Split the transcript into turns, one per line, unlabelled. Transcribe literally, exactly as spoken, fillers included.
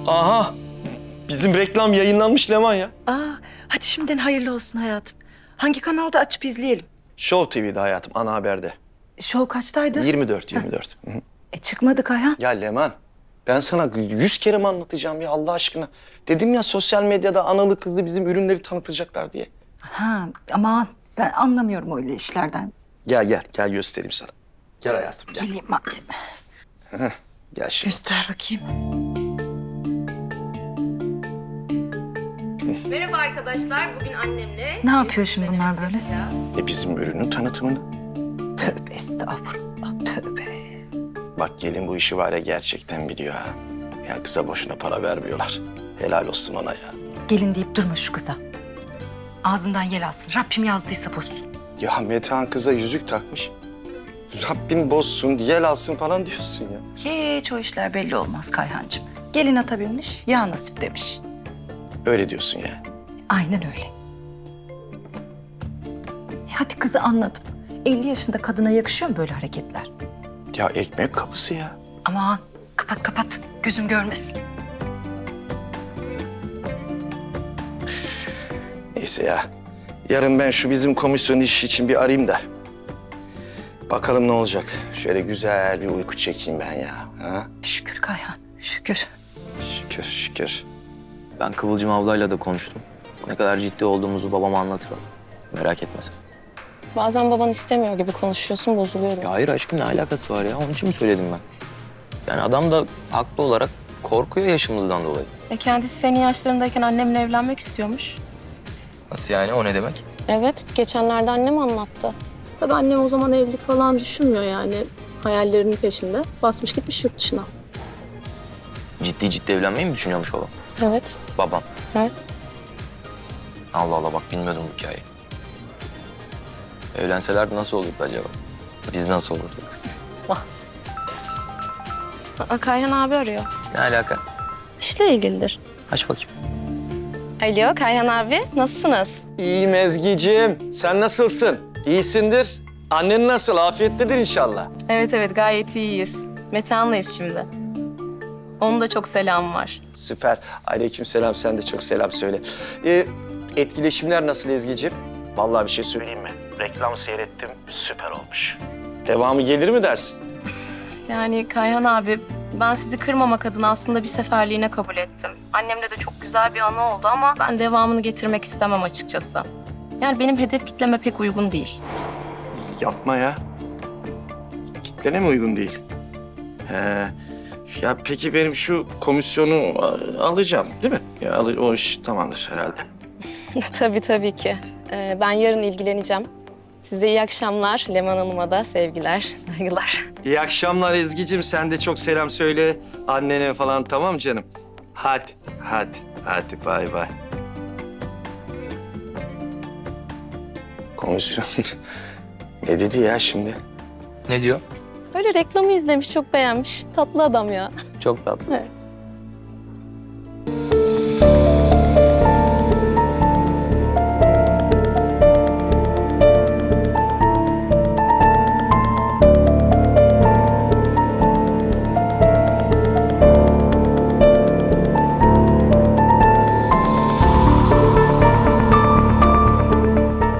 Aha! Bizim reklam yayınlanmış Leman ya.
Aa, hadi şimdiden hayırlı olsun hayatım. Hangi kanalda açıp izleyelim?
Show T V'de hayatım, ana haberde.
Show kaçtaydı?
yirmi dört, yirmi dört. Hı hı.
E çıkmadık Ayhan.
Ya Leman, ben sana yüz kere mi anlatacağım ya Allah aşkına? Dedim ya sosyal medyada analı kızlı bizim ürünleri tanıtacaklar diye.
Ha, aman ben anlamıyorum öyle işlerden.
Gel gel, gel göstereyim sana. Gel hayatım, gel.
Geleyim madem.
Gel şimdi.
Göster bakayım.
Merhaba arkadaşlar, bugün annemle...
Ne yapıyor şimdi bunlar böyle?
E bizim ürünün tanıtımını.
Tövbe estağfurullah, tövbe.
Bak gelin bu işi var ya gerçekten biliyor ha. Ya kıza boşuna para vermiyorlar. Helal olsun ona ya.
Gelin deyip durma şu kıza. Ağzından yel alsın. Rabbim yazdıysa bozsun.
Ya Metehan kıza yüzük takmış. Rabbim bozsun, yel alsın falan diyorsun ya.
Hiç o işler belli olmaz Kayhancığım. Gelin atabilmiş, ya nasip demiş.
Öyle diyorsun ya.
Aynen öyle. E hadi kızı anladım. elli yaşında kadına yakışıyor mu böyle hareketler?
Ya ekmek kapısı ya.
Aman kapat kapat. Gözüm görmesin.
Neyse ya. Yarın ben şu bizim komisyon işi için bir arayayım da. Bakalım ne olacak. Şöyle güzel bir uyku çekeyim ben ya. Ha?
Şükür Kayhan, şükür.
Şükür, şükür.
Ben Kıvılcım ablayla da konuştum. Ne kadar ciddi olduğumuzu babama anlatırım. Merak etme sen.
Bazen baban istemiyor gibi konuşuyorsun, bozuluyorum.
Ya hayır aşkım ne alakası var ya? Onun için mi söyledim ben? Yani adam da haklı olarak korkuyor yaşımızdan dolayı.
E kendisi senin yaşlarındayken annemle evlenmek istiyormuş.
Nasıl yani? O ne demek?
Evet, geçenlerde annem anlattı. Tabii annem o zaman evlilik falan düşünmüyor yani. Hayallerinin peşinde. Basmış gitmiş yurt dışına.
Ciddi ciddi evlenmeyi mi düşünüyormuş babam?
Evet,
Babam.
evet.
Allah Allah bak bilmiyordum bu hikayeyi. Evlenselerdi nasıl olurdu acaba? Biz nasıl olurduk?
Aa, Kayhan abi arıyor.
Ne alaka?
İşle ilgilidir.
Aç bakayım.
Alo Kayhan abi, nasılsınız?
İyiyim Ezgi'ciğim. Sen nasılsın? İyisindir. Annen nasıl? Afiyettedir inşallah.
Evet evet, gayet iyiyiz. Metehan'layız şimdi. Onun da çok selamı var.
Süper. Aleykümselam. Sen de çok selam söyle. Ee, etkileşimler nasıl Ezgi'ciğim? Vallahi bir şey söyleyeyim mi? Reklam seyrettim. Süper olmuş. Devamı gelir mi dersin?
Yani Kayhan abi, ben sizi kırmamak adına aslında bir seferliğine kabul ettim. Annemle de çok güzel bir anı oldu ama ben devamını getirmek istemem açıkçası. Yani benim hedef kitleme pek uygun değil.
Yapma ya. Kitlene mi uygun değil? He. Ya peki benim şu komisyonu a- alacağım değil mi? Ya al- o iş tamamdır herhalde.
tabii tabii ki. Ee, ben yarın ilgileneceğim. Size iyi akşamlar. Leman Hanım'a da sevgiler, saygılar.
İyi akşamlar Ezgi'cim. Sen de çok selam söyle annene falan, tamam canım? Hadi, hadi, hadi bay bay. Komisyon ne dedi ya şimdi?
Ne diyor?
Öyle reklamı izlemiş, çok beğenmiş. Tatlı adam ya.
Çok tatlı.
Evet.